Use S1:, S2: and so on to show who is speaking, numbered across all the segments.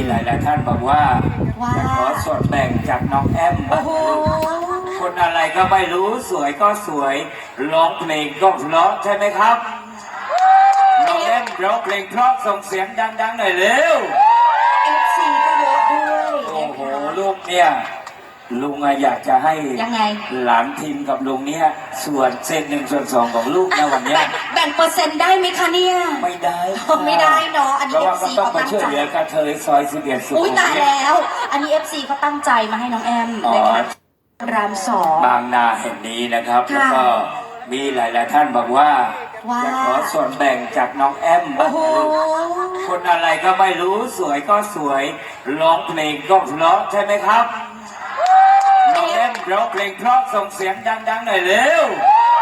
S1: หลายๆท่านบอกว่าจะขอส่วนแบ่งจากน้องแอม
S2: โอ้โห
S1: คนอะไรก็ไม่รู้สวยก็สวยร้องเพลงก็เพราะใช่ไหมครับน้องแอมร้องเพลงเพราะส่งเสียงดังๆหน่อยเร็ว
S2: FC ก็เยอะด้วย
S1: โอ้โหลูกเนี่ยลุงอยากจะให้
S2: ยังไง
S1: หลานทีมกับลุงเนี่ยส่วนเส้น1 ส่วน 2ของลูกนะวันเนี้ย
S2: แบ่งเปอร์เซ็นต์ได้ไหมคะเนี่ย
S1: ไม่ได้ค่ะ
S2: ไม่ได้เนาะอัน
S1: เพ
S2: นี้
S1: ราะว่าก็
S2: FC
S1: ต้อง
S2: เขา
S1: ไป
S2: ตั้ง
S1: ช่วย
S2: ใจ
S1: เหลือกระเทยซอย11สุขุ
S2: อุ้ย
S1: ม
S2: ตาย
S1: วิท
S2: แล้ว อันนี้ FC เขาตั้งใจมาให้น้องแอม
S1: อ๋อ
S2: นะคะรามสอง
S1: บางนาแห่งนี้นะครับ
S2: ค่ะ
S1: แล้วก็มีหลายๆท่านบอกว่าจะขอส่วนแบ่งจากน้องแอม
S2: โอ้โห
S1: คนอะไรก็ไม่รู้สวยก็สวยร้องเพลงก็เพราะใช่ไหมครับน้องแอมร้องเพลงเพราะส่งเสียงดังๆหน่อยเร็ว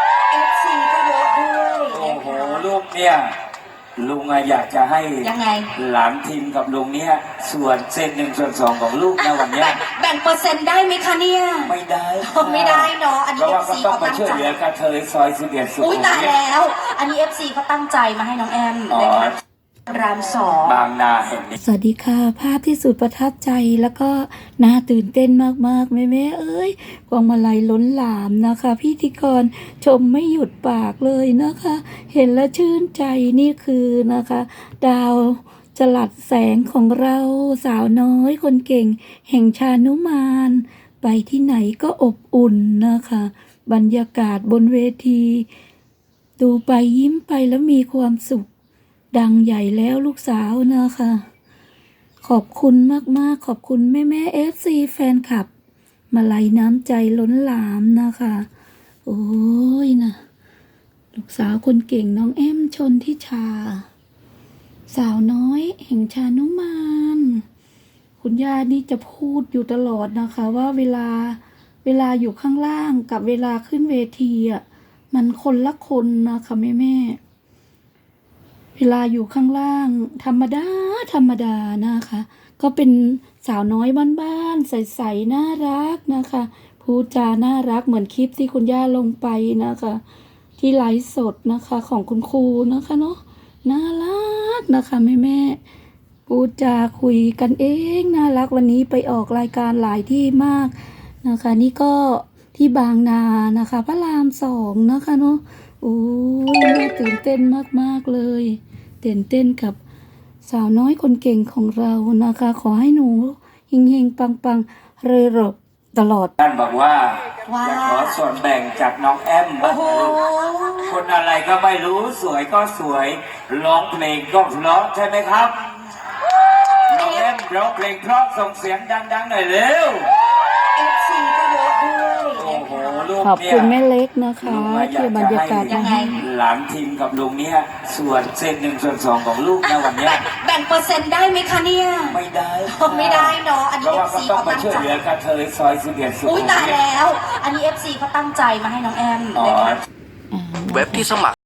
S2: FC ก็เยอะด้วย
S1: โอ้โหลูกเนี่ยลุงอยากจะให้
S2: ยังไง
S1: หลานทีมกับลุงเนี่ยส่วนเส้น1 ส่วน 2ของลูกนะวันเนี้ย
S2: แบ่งเปอร์เซ็นต์ได้ไหมคะเนี่ย
S1: ไม่ได้ค่ะ
S2: ไม่ได้เนาะอัน
S1: เพ
S2: นี้
S1: ราะว่าก็
S2: FC
S1: ต้อง
S2: เขา
S1: ไป
S2: ตั้ง
S1: ช่วย
S2: ใจ
S1: เหลือกระเทยซอย11สุขุ
S2: อุ้ย
S1: ม
S2: ตาย
S1: วิท
S2: แล้ว อันนี้ FC เขาตั้งใจมาให้น้องแอม
S1: อ๋อ
S2: นะคะรามสอง
S1: บางนาแห่งนี้
S3: สวัสดีค่ะ ภาพที่สุดประทับใจแล้วก็น่าตื่นเต้นมากๆแม่ๆเอ้ยพวงมาลัยล้นหลามนะคะ พิธีกรชมไม่หยุดปากเลยนะคะ เห็นแล้วชื่นใจนี่คือนะคะ ดาวจรัสแสงของเราสาวน้อยคนเก่ง แห่งชานุมานไปที่ไหนก็อบอุ่นนะคะ บรรยากาศบนเวที ดูไปยิ้มไปแล้วมีความสุข ดังใหญ่แล้วลูกสาวนะคะ ขอบคุณมากๆ ขอบคุณแม่FC แฟนคลับ มาลัยน้ำใจล้นหลามนะคะ โอ้ยนะลูกสาวคนเก่งน้องแอมชนทิชา สาวน้อยแห่งชานุมาน คุณย่านี่จะพูดอยู่ตลอดนะคะว่าเวลาอยู่ข้างล่างกับเวลาขึ้นเวทีอ่ะมันคนละคนนะคะแม่ เวลาอยู่ข้างล่างธรรมดานะคะ ก็เป็นสาวน้อยบ้านๆใสๆน่ารักนะคะพูดจาน่ารักเหมือนคลิปที่คุณย่าลงไปนะคะ ที่ไลฟ์สดนะคะของคุณครูนะคะเนาะน่ารักนะคะแม่พูดจาคุยกันเองน่ารักวันนี้ไปออกรายการหลายที่มากนะคะ นี่ก็ที่บางนานะคะพระราม2นะคะเนาะโอ้ยน่าตื่นเต้นมากๆเลยตื่นเต้นกับสาวน้อยคนเก่งของเรานะคะ ขอให้หนูเฮงๆปังๆเรอๆตลอด
S1: ท่านบอกว่าจะขอส่วนแบ่งจากน้องแอม
S2: โอ้โห
S1: คนอะไรก็ไม่รู้สวยก็สวยร้องเพลงก็เพราะใช่ไหมครับน้องแอมร้องเพลงเพราะส่งเสียงดังๆหน่อยเร็ว
S2: FC ก็เยอะด้วย
S1: โอ้โหลูก
S3: ขอบ
S1: เนี่ย
S3: คุณแม่เล็กนะคะ
S1: ลุงอยา
S3: ที่
S1: ก
S3: บร
S1: จะ
S3: รยากาศ
S1: ให้
S3: มาให้
S1: หลานทีมกับลุงเนี่ยส่วนเส้น1 ส่วน 2ของลูกนะวันเนี้ย
S2: แบ่งเปอร์เซ็นต์ได้ไหมคะเนี่ย
S1: ไม่ได้ค่ะ
S2: ไม่ได้เนาะอัน
S1: เพ
S2: นี้
S1: ราะว่า
S2: FC
S1: ก็ต้อง
S2: เขา
S1: ไป
S2: ตั้ง
S1: ช่วย
S2: ใจ
S1: เหลือกระเทยซอย11สุขุ
S2: อุ้ย
S1: ม
S2: ตาย
S1: วิท
S2: แล้ว อันนี้ FC เขาตั้งใจมาให้น้องแอม
S1: อ๋อ
S2: นะคะ
S4: เว็บที่สมัคร